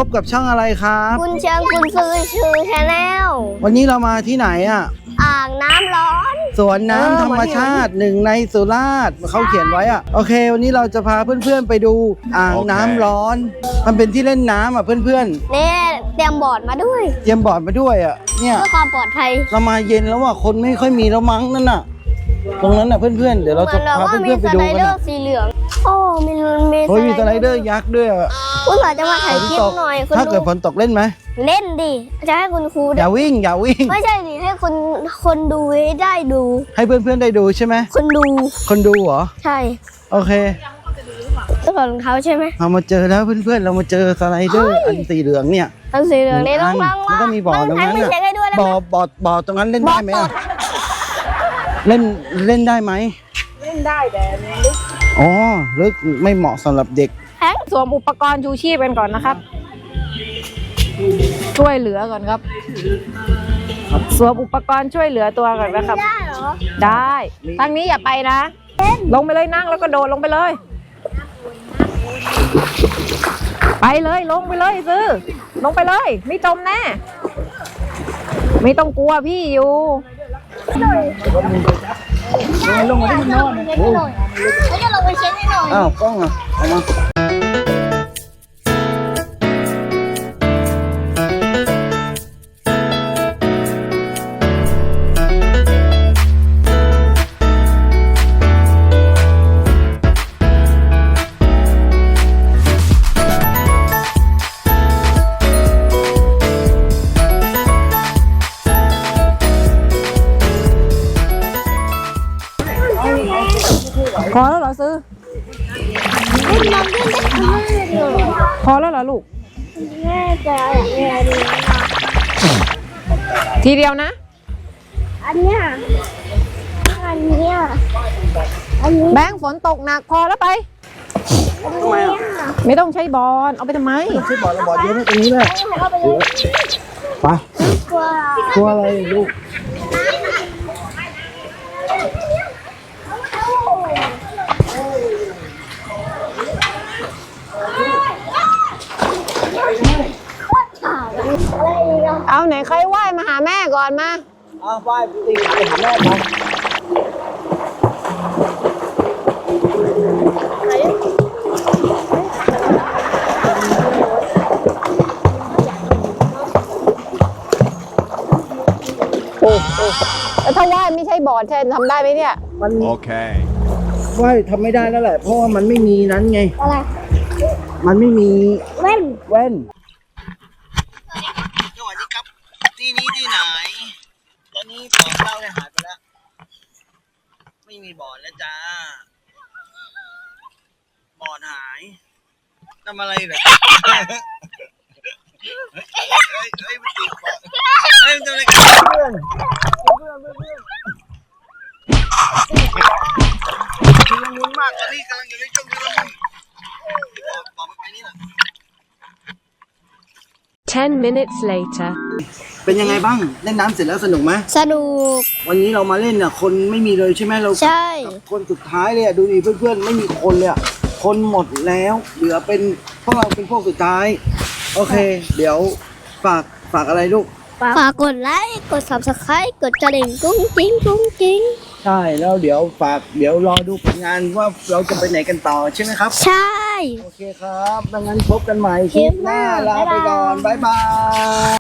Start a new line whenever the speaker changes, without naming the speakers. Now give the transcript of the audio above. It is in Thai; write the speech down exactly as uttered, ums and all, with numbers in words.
บกับช่องอะไรครับ
คุณเชียงคุณซื้อชื่อชาแนล
วันนี้เรามาที่ไหนอ่ะ
อ่างน้ำร้อน
สวนน้ำธรรมชาติหนึ่งในสุราษฎร์เขาเขียนไว้อ่ะโอเควันนี้เราจะพาเพื่อนๆไปดูอ่างน้ำร้อน มันเป็นที่เล่นน้ำอ่ะเพื่อน
นี่เตรียมบอร์ดมาด้วย
ๆเตรียมบอร์ดมาด้วยอ่ะเนี่ย
เพื่อความปลอดภัย
เรามาเย็นแล้วอ่ะคนไม่ค่อยมีแล้วมั้งนั่นน่ะตรงนั้นน่ะเพื่อนๆเดี๋ยวเราจะพาเพื่อนๆไปดู
มีสไล
กัน
เดอ
อ่ะ
ร์สีเหลืองโอ้มีมี
โอ้ยมีสไลเดอร์ยักษ์ด้วยอ่ะ
คุณสาจะมาถ่ายคลิปหน่อยคุณ
ถ้าเกิดฝนตกเล่นไหม
เล่นดิจะให้คุณครู
อย่าวิ่งอย่าวิ่ง
ไม่ใช่ดิให้คนคนดูให้ได้ดู
ให้เพื่อนๆได้ดูใช่ไหม
คนดู
คนดูเหรอ
ใช่
โอเค
เจ้าของรองเท้าใช่ไหม
เรามาเจอแล้วเพื่อนๆเรามาเจอสไลเดอร์อันสีเหลืองเนี่ย
อันสีเหลืองนี่ต้อง
อั
ล้าง
มันก็มีบ่อตรงนั้น
ไม่
น่ะ
เช็คให้ด้วยได้
บ่
ไห
อ
ม
บ่อบ่อตรงนั้นเล่นได้ไหม
บ่อ
อะ
ตด
เล่นเล่นได้ไหม
เล่นได้แต่มันลึก
อ๋อลึกไม่เหมาะสำหรับเด็ก
แห้ง
สวมอุปกรณ์ชูชีพกันก่อนนะครับ ช่วยเหลือก่อนครับ สวมอุปกรณ์ช่วยเหลือตัวก่อนนะครับ
ได้เหรอ
ได้ทางนี้อย่าไปนะ ลงไปเลยนั่งแล้วก็โดดลงไปเลย ไปเลยลงไปเลยซื้อ ลงไปเลย ไม่จมแน่ ไม่ต้องกลัวพี่อยู่
ลงมาได้นอน
เช็คให้หน่อยเขาจะลงไปเช็คให้หน่อย
อ้าวกล้องอ่ะเอามา
พอแล้วเหรอซื้อ พอแล้วเหรอลูก
แม่จะแม่ดีนะ
ทีเดียวนะ
อันเนี้ยอันเนี้ยอันนี้
แบงค์ฝนตกหนักพอแล้วไป
อันเนี้ย
ไม่ต้องใช้บอลเอาไปทำไม
ใช่บ่อเราบ่อเยอะไหมตรงนี้แหละ
เอาไปเลย
ไป
กลัว
กลัวอะไรลูก
เอาไหนใครไหว้มาหาแม่ก่อนมา
อ้าวไปตีไปหาแม่ไป
โอ้โหแล้วถ้าไหว้ไม่ใช่บอร์ดแทนทำได้ไหมเนี่ย
มัน
โอเค
ว่ายทำไม่ได้แล้วแหละเพราะว่ามันไม่มีนั้นไง
อะไร
มันไม่มี
เว้น
แว่นสวัสดีครับ ที่นี้ที่ไหน ตอนนี้บ่อเราเนี่ยหายไปแล้ว ไม่มีบ่อแล้วจ้าบ่อหายทำอะไรเหรอเฮ้ยเฮ้ยเฮ้ยมันติดบ่อเฮ้ยมันทำอะไรกันเพื่อนเพื่อนเพื่อนเพื่อนชุลมุนมากตอนนี้กำลังอยู่ในช่วงชุลมุนบ่อบ่อมันไปนี่แหละ
Ten minutes later.
เป็นยังไงบ้างเล่นน้ำเสร็จแล้วสนุกไหม
สนุก
วันนี้เรามาเล่นน่ะคนไม่มีเลยใช่ไหมเรา
ใช่
คนสุดท้ายเลยอ่ะดูดิเพื่อนๆไม่มีคนเลยอ่ะคนหมดแล้วเหลือเป็นพวกเราเป็นพวกสุดท้ายโอเค เดี๋ยวฝากฝากอะไรลูก
ฝากกดไลค์ กด ซับสไครบ์ กดกระดิ่งกุ้งกิ้งกุ้งกิ้ง
ใช่แล้วเดี๋ยวฝากเดี๋ยวรอดูผลงานว่าเราจะไปไหนกันต่อใช่ไหมครับ
ใช่
โอเคครับดังนั้นพบกันใหม่คลิปหน้าลาไปก่อนบ๊ายบาย